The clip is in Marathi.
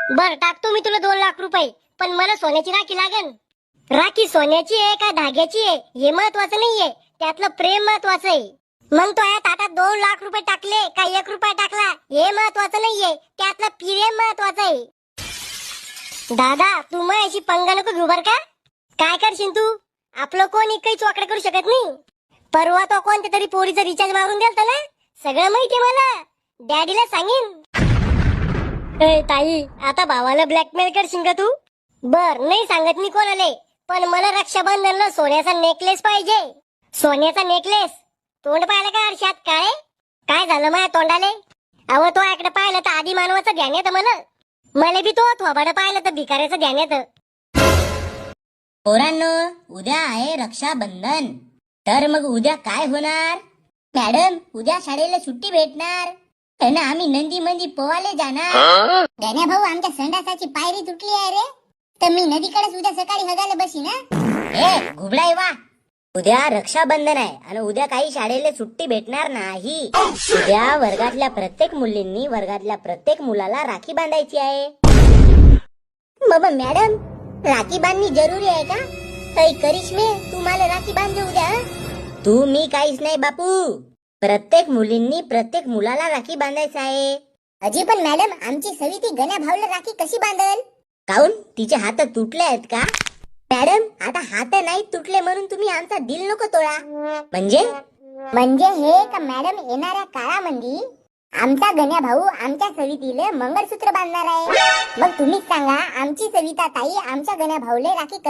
बर टाकतो मी तुला 2 लाख रुपये, पण मला सोन्याची राखी लागन. राखी सोन्याची आहे का धाग्याची आहे हे महत्वाचं नाहीये, त्यातलं प्रेम महत्वाचं आहे. मग तो या ताटात 2 लाख रुपये टाकले का 1 रुपया टाकला हे महत्वाचं नाहीये, त्यातलं प्रेम महत्वाचं आहे. दादा तू माझ्याशी पंगा नको घेऊ बर का. काय करशील तू? आपलं कोणी काही चोकडे करू शकत नाही. परवा तो कोणत्या तरी पोरीचा रिचार्ज मारून द्यालता ना, सगळं माहितीये मला. डॅडीला सांगेन. ए ताई, आता भावाला ब्लॅकमेल करशील का तू? बर नाही सांगत मी कोणाले, पण मला रक्षाबंधनला सोन्याचा नेकलेस पाहिजे. सोन्याचा नेकलेस? तोंड पाहिलं का आरशात? काय झालं माझ्या तोंडाले? अहो तो आकडे पाहिलं तर आधी मानवाचं ध्यान येतं मला बी तो थोबाड पाहिलं तर भिकाऱ्याचं ध्यान येतं. पोरांनो, उद्या आहे रक्षाबंधन. तर मग उद्या काय होणार? मॅडम उद्या शाळेला सुट्टी भेटणार ना, आम्ही नंदी मंदी पोवाले जाणार. गण्या भाऊ आमच्या संडासाची पायरी तुटली आहे रे, तर मी नदीकडेच उद्या सकाळी हगायला बसी ना. ए घुबडाई वा, उद्या रक्षाबंधन आहे आणि उद्या काही शाळेला सुट्टी भेटणार नाही. उद्या वर्गातल्या प्रत्येक मुलींनी वर्गातल्या प्रत्येक मुलाला राखी बांधायची आहे. बाबा मॅडम राखी बांधणी जरुरी आहे का? ताई करिश्मे तू मला राखी बांध उद्या. तू मी काहीच नाही बापू, प्रत्येक मुलींनी प्रत्येक मुलाला राखी बांधायचं आहे. अजी पण मॅडम आमची सविती गण्या भाऊला राखी कशी बांधल? काऊन तिचे हात तुटले आहेत का? मॅडम आता हात नाही तुटले म्हणून तुम्ही आमचा दिल नको तोडा. म्हणजे हे का मॅडम येणाऱ्या काळामध्ये आमचा गण्या भाऊ आमच्या सवितीला मंगळसूत्र बांधणार आहे. मग तुम्हीच सांगा आमची सविता ताई आमच्या गण्या भाऊले राखी